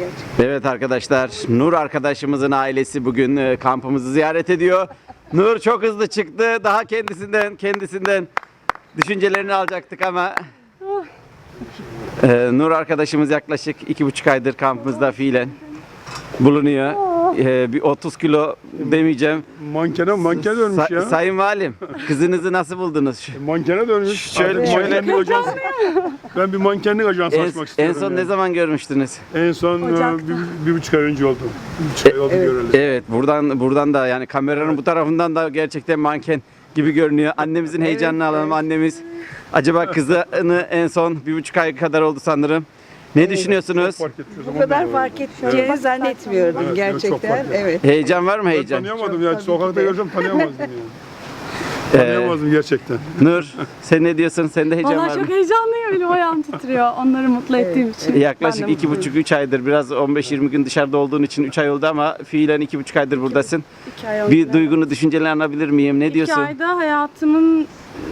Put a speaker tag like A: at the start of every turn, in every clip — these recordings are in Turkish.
A: gerçekten.
B: Evet arkadaşlar, Nur arkadaşımızın ailesi bugün kampımızı ziyaret ediyor. Nur çok hızlı çıktı. Daha kendisinden düşüncelerini alacaktık ama Nur arkadaşımız yaklaşık 2,5 aydır kampımızda fiilen bulunuyor. Bir 30 kilo demeyeceğim.
C: Mankene dönmüş ya.
B: Sayın Valim, kızınızı nasıl buldunuz?
C: Mankene dönmüş.
B: Şöyle-
C: Artık
B: şöyle-
C: mankenlik ajansı. Ben bir mankenlik ajansı açmak
B: En
C: istiyorum.
B: son ne zaman görmüştünüz?
C: En son bir buçuk ay önce oldu. Bir buçuk ay oldu göreli.
B: Evet, buradan da yani kameranın bu tarafından da gerçekten manken gibi görünüyor. Annemizin heyecanını alalım. Annemiz acaba kızını en son 1,5 ay kadar oldu sanırım. Ne düşünüyorsunuz?
C: Fark etmiyoruz
A: Bu
C: ama
A: kadar
C: ondan
A: fark edeceğini zannetmiyordum
C: Evet, çok
A: gerçekten.
C: fark ettim.
A: Evet.
B: Heyecan var mı
C: Ben
B: heyecan?
C: tanıyamadım ya. Sokakta
A: de.
C: görsem tanıyamazdım yani.
B: Ee,
C: Tanıyamazdım gerçekten.
B: Nur, sen ne diyorsun? Sende heyecan
D: Valla
B: var mı?
D: çok heyecanlıyım. Elim ayağım titriyor. Onları mutlu ettiğim için.
B: Yaklaşık
D: Ben de mutluyum.
B: 2,5-3 aydır, biraz 15-20 gün dışarıda olduğun için 3 ay oldu ama fiilen 2,5 aydır buradasın.
D: 2 ay oldu.
B: Bir duygunu, düşüncelerini alabilir miyim? Ne
D: 2
B: diyorsun?
D: ayda hayatımın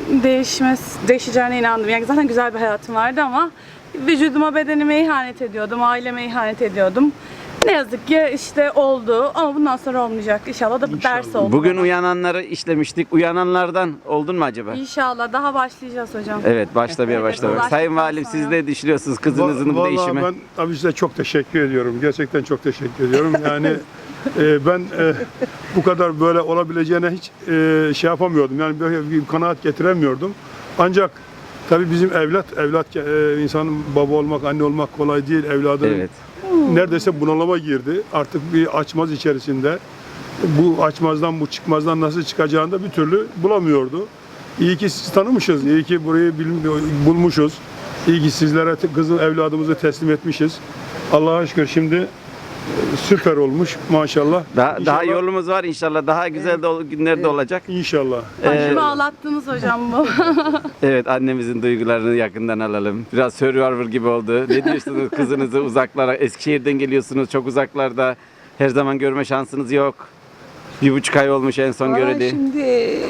D: değişeceğine inandım. Yani zaten güzel bir hayatım vardı ama vücuduma, bedenime ihanet ediyordum, aileme ihanet ediyordum. Ne yazık ki işte oldu ama bundan sonra olmayacak. İnşallah da bir ders oldu.
B: Bugün
D: bana.
B: uyananları işlemiştik. Uyananlardan oldun mu acaba?
D: İnşallah daha başlayacağız hocam.
B: Evet, başlamaya başlamak.
D: ulaştıktan
B: Sayın Valim, siz
D: sonra.
B: ne düşünüyorsunuz kızınızın bu
C: Vallahi
B: değişime?
C: ben tabii size çok teşekkür ediyorum. Gerçekten çok teşekkür ediyorum. Yani ben bu kadar böyle olabileceğine hiç şey yapamıyordum. Yani böyle bir kanaat getiremiyordum. Ancak tabii bizim evlat insanın baba olmak, anne olmak kolay değil. Evladın
B: Evet.
C: neredeyse bunalıma girdi. Artık bir açmaz içerisinde. Bu açmazdan, bu çıkmazdan nasıl çıkacağını da bir türlü bulamıyordu. İyi ki sizi tanımışız, iyi ki burayı bulmuşuz. İyi ki sizlere evladımızı teslim etmişiz. Allah'a şükür şimdi süper olmuş maşallah.
B: Daha
C: İnşallah-
B: yolumuz var inşallah. Daha güzel günler de olacak.
C: İnşallah.
D: Başımı ağlattınız hocam bu.
B: Evet, annemizin duygularını yakından alalım. Biraz Survivor gibi oldu. Ne diyorsunuz kızınızı uzaklara? Eskişehir'den geliyorsunuz, çok uzaklarda. Her zaman görme şansınız yok. 1,5 ay olmuş en son
A: Vallahi
B: göreli.
A: şimdi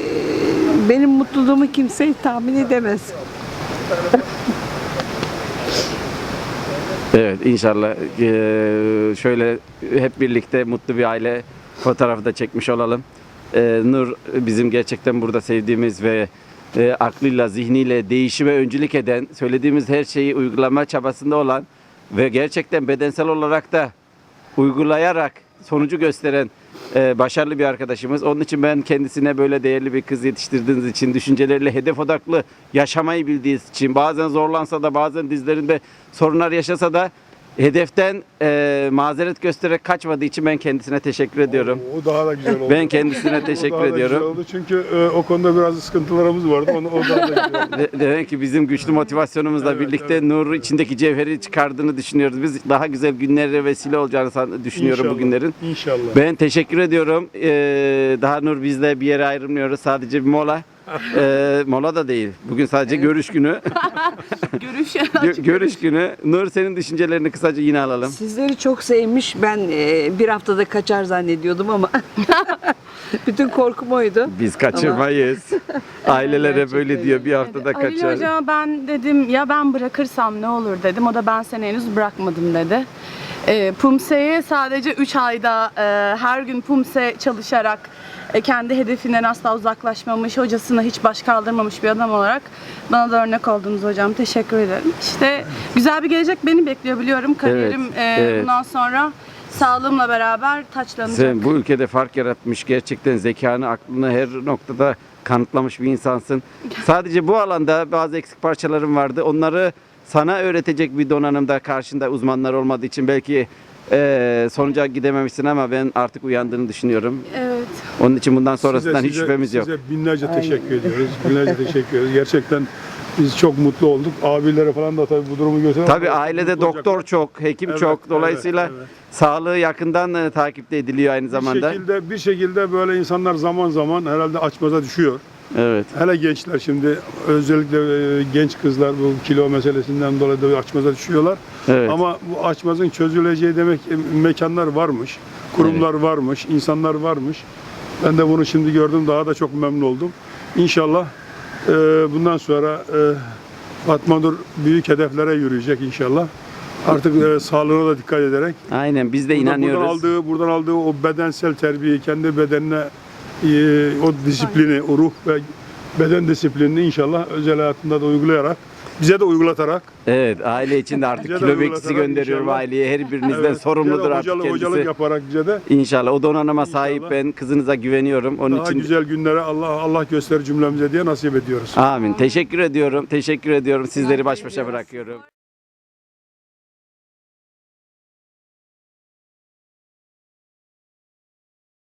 A: benim mutluluğumu kimse tahmin edemez.
B: Evet, inşallah şöyle hep birlikte mutlu bir aile fotoğrafı da çekmiş olalım. Nur bizim gerçekten burada sevdiğimiz ve aklıyla, zihniyle değişime öncülük eden, söylediğimiz her şeyi uygulama çabasında olan ve gerçekten bedensel olarak da uygulayarak sonucu gösteren başarılı bir arkadaşımız. Onun için ben kendisine böyle değerli bir kız yetiştirdiğiniz için, düşünceleriyle hedef odaklı yaşamayı bildiği için, bazen zorlansa da, bazen dizlerinde sorunlar yaşasa da hedeften mazeret göstererek kaçmadığı için ben kendisine teşekkür ediyorum.
C: O daha da güzel oldu.
B: Ben kendisine
C: O
B: teşekkür
C: daha da güzel
B: ediyorum.
C: oldu çünkü o konuda biraz sıkıntılarımız vardı. O daha da güzel oldu.
B: Demek ki bizim güçlü motivasyonumuzla
C: Evet,
B: birlikte
C: evet.
B: Nur'u içindeki cevheri çıkardığını düşünüyoruz. Biz daha güzel günlere vesile olacağını düşünüyorum
C: İnşallah,
B: bugünlerin.
C: İnşallah.
B: Ben teşekkür ediyorum. Daha Nur bizle bir yere ayrılmıyoruz. Sadece bir mola. Mola da değil. Bugün sadece görüş günü.
D: Görüş.
B: Görüş günü. Nur, senin düşüncelerini kısaca yine alalım.
A: Sizleri çok sevmiş. Ben bir haftada kaçar zannediyordum ama bütün korkum oydu.
B: Biz kaçırmayız. Aileler hep öyle diyor. Bir haftada
D: Ali
B: kaçar.
D: hocama ben dedim ya ben bırakırsam ne olur dedim. O da ben seni henüz bırakmadım dedi. PUMSE'yi sadece 3 ayda her gün PUMSE çalışarak kendi hedefinden asla uzaklaşmamış, hocasına hiç baş kaldırmamış bir adam olarak bana da örnek oldunuz hocam. Teşekkür ederim. İşte güzel bir gelecek beni bekliyor biliyorum. Kariyerim
B: evet.
D: bundan sonra sağlığımla beraber taçlanacak.
B: Sen bu ülkede fark yaratmış, gerçekten zekanı, aklını her noktada kanıtlamış bir insansın. Sadece bu alanda bazı eksik parçalarım vardı. Onları sana öğretecek bir donanımda karşında uzmanlar olmadığı için belki sonuca gidememişsin ama ben artık uyandığını düşünüyorum.
D: Evet.
B: Onun için bundan sonrasından hiç şüphemiz yok.
C: Size binlerce teşekkür ediyoruz. Binlerce teşekkür ediyoruz. Gerçekten biz çok mutlu olduk. Abilere falan da tabii bu durumu götüren.
B: Tabii ailede doktor çok, hekim
C: Evet,
B: çok. Dolayısıyla
C: evet.
B: sağlığı yakından takipte ediliyor aynı zamanda.
C: Bir şekilde böyle insanlar zaman zaman herhalde açmaza düşüyor.
B: Evet.
C: Hele gençler şimdi özellikle genç kızlar bu kilo meselesinden dolayı da açmaza düşüyorlar.
B: Evet.
C: Ama bu açmazın çözüleceği demek mekanlar varmış, kurumlar varmış, insanlar varmış. Ben de bunu şimdi gördüm, daha da çok memnun oldum. İnşallah bundan sonra Fatma Nur büyük hedeflere yürüyecek inşallah. Artık sağlığına da dikkat ederek.
B: Aynen biz de inanıyoruz.
C: Buradan aldığı o bedensel terbiyeyi, kendi bedenine o disiplini, o ruh ve beden disiplinini inşallah özel hayatında da uygulayarak, bize de uygulatarak.
B: Evet, aile için de artık
C: Bize de
B: kilo bekçisi
C: uygulatarak
B: gönderiyorum
C: inşallah.
B: aileye. Her birinizden
C: Evet,
B: sorumludur
C: bize de
B: artık
C: hocalık
B: kendisi.
C: yaparak bize de
B: İnşallah o donanıma sahip
C: İnşallah.
B: ben. Kızınıza güveniyorum. Onun
C: daha
B: için
C: güzel günlere Allah gösterir cümlemize diye nasip ediyoruz.
B: amin. Teşekkür ediyorum. Teşekkür ediyorum. Sizleri baş başa bırakıyorum.